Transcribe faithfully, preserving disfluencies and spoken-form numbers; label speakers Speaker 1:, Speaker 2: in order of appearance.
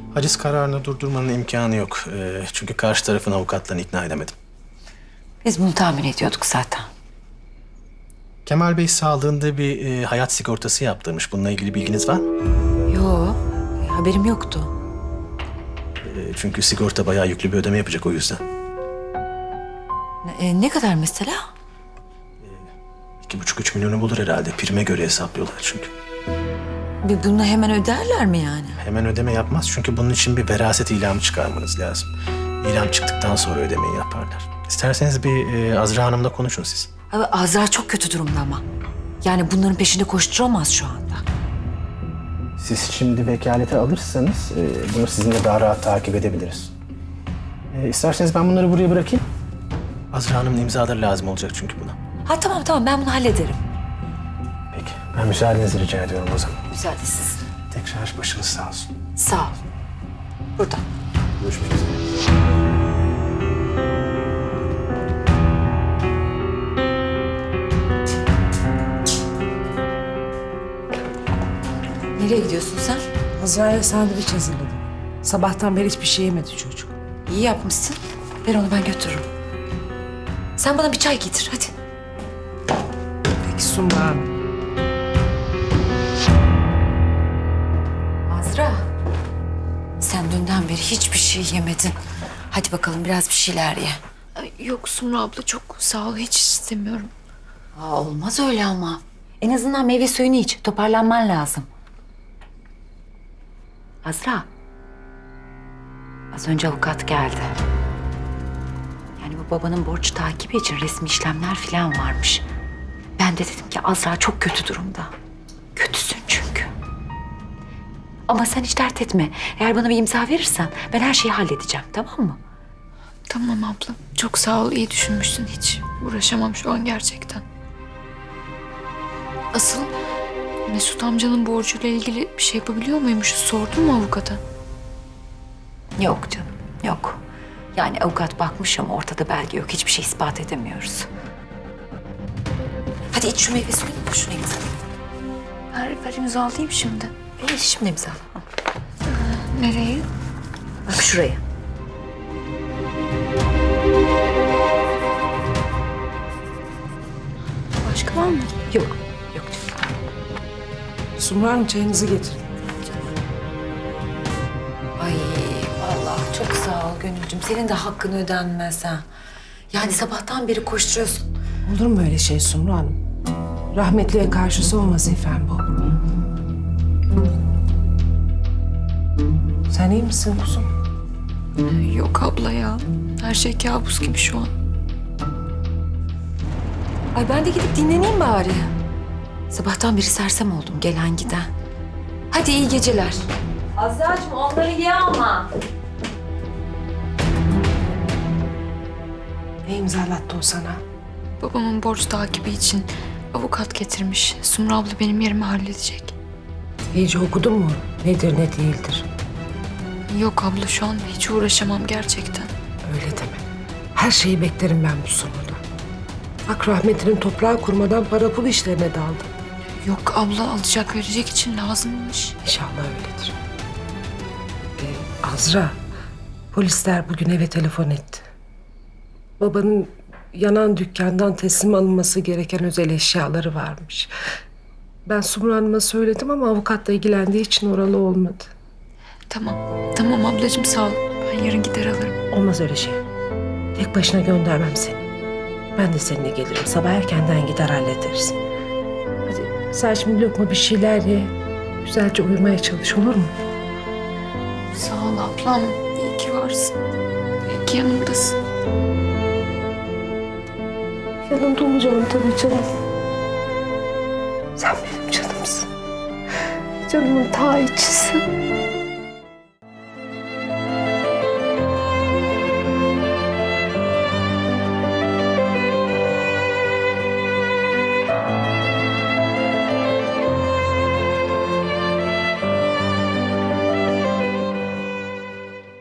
Speaker 1: Haciz kararını durdurmanın imkanı yok. Ee, çünkü karşı tarafın avukatlarını ikna edemedim.
Speaker 2: Biz bunu tahmin ediyorduk zaten.
Speaker 1: Kemal Bey sağlığında bir e, hayat sigortası yaptırmış. Bununla ilgili bilginiz var mı?
Speaker 2: Yo, haberim yoktu.
Speaker 1: E, çünkü sigorta bayağı yüklü bir ödeme yapacak o yüzden.
Speaker 2: E, ne kadar mesela?
Speaker 1: İki buçuk üç milyonu bulur herhalde. Prime göre hesaplıyorlar çünkü.
Speaker 2: Bir bunu hemen öderler mi yani?
Speaker 1: Hemen ödeme yapmaz çünkü bunun için bir veraset ilamı çıkarmanız lazım. İlam çıktıktan sonra ödemeyi yaparlar. İsterseniz bir e, Azra Hanım'la konuşun siz.
Speaker 2: Abi Azra çok kötü durumda ama. Yani bunların peşinde koşturamaz şu anda.
Speaker 1: Siz şimdi vekalete alırsanız e, bunu sizinle daha rahat takip edebiliriz. E, isterseniz ben bunları buraya bırakayım. Azra Hanım'ın imzaları lazım olacak çünkü buna.
Speaker 2: Ha tamam tamam ben bunu hallederim.
Speaker 1: Peki ben müsaadenizi rica ediyorum o zaman.
Speaker 2: Müsaadesiz.
Speaker 1: Tekrar başınız sağ olsun.
Speaker 2: Sağ ol. Burada.
Speaker 1: Görüşmek üzere.
Speaker 2: Nereye gidiyorsun sen?
Speaker 3: Azra'ya sandviç hazırladım. Sabahtan beri hiçbir şey yemedi çocuk.
Speaker 2: İyi yapmışsın. Ver onu ben götürürüm. Sen bana bir çay getir hadi.
Speaker 3: Peki Sumru Hanım.
Speaker 2: Azra. Sen dünden beri hiçbir şey yemedin. Hadi bakalım biraz bir şeyler ye.
Speaker 4: Ay, Yok Sumru abla çok sağ ol hiç istemiyorum.
Speaker 2: Aa, olmaz öyle ama. En azından meyve suyunu iç. Toparlanman lazım. Azra. Az önce avukat geldi. Yani bu babanın borç takibi için resmi işlemler falan varmış. Ben de dedim ki Azra çok kötü durumda. Kötüsün çünkü. Ama sen hiç dert etme. Eğer bana bir imza verirsen ben her şeyi halledeceğim, tamam mı?
Speaker 4: Tamam abla çok sağ ol iyi düşünmüşsün hiç uğraşamam şu an gerçekten. Asıl Mesut amcanın borcuyla ilgili bir şey yapabiliyor muymuşuz sordun mu avukata?
Speaker 2: Yok canım, yok. Yani avukat bakmış ama ortada belge yok. Hiçbir şey ispat edemiyoruz. Hadi iç şu meyve suyunu da şunu imzala.
Speaker 4: Ver, ver imzalayayım şimdi.
Speaker 2: E, şimdi imzala. Al.
Speaker 4: Nereye?
Speaker 2: Bak şuraya.
Speaker 4: Başka var mı?
Speaker 2: Yok, yok canım.
Speaker 3: Sumru Hanım çayınızı getirin.
Speaker 2: Ay vallahi çok sağ ol Gönülcüm. Senin de hakkın ödenmez ha. Yani sabahtan beri koşturuyorsun.
Speaker 3: Olur mu öyle şey Sumru Hanım? Rahmetliye karşı son vazifem bu. Sen iyi misin kuzum?
Speaker 4: Yok abla ya. Her şey kabus gibi şu an.
Speaker 2: Ay ben de gidip dinleneyim bari. Sabahtan beri sersem oldum gelen giden. Hadi iyi geceler. Azra'cığım onları ye ama.
Speaker 3: Ne imzalattı o sana?
Speaker 4: Babamın borç takibi için avukat getirmiş. Sumru abla benim yerime halledecek.
Speaker 3: İyice okudun mu? Nedir ne değildir?
Speaker 4: Yok abla şu an hiç uğraşamam gerçekten.
Speaker 3: Öyle deme. Her şeyi beklerim ben bu Sumru'da. Bak rahmetlinin toprağı kurmadan para pul işlerine daldı.
Speaker 4: Yok abla alacak verecek için lazımmış.
Speaker 3: İnşallah öyledir. Ee, Azra, polisler bugün eve telefon etti. Babanın yanan dükkandan teslim alınması gereken özel eşyaları varmış. Ben Sumru Hanım'a söyledim ama avukatla ilgilendiği için oralı olmadı.
Speaker 4: Tamam. Tamam ablacığım sağ ol. Ben yarın gider alırım.
Speaker 3: Olmaz öyle şey. Tek başına göndermem seni. Ben de seninle gelirim. Sabah erkenden gider hallederiz. Hadi sen şimdi lokma bir şeyler ye. Güzelce uyumaya çalış, olur mu?
Speaker 4: Sağ ol ablam. İyi ki varsın. İyi ki yanımdasın.
Speaker 3: Yanımda olacağım tabii canım. Sen benim canımsın. Canımın ta içisin.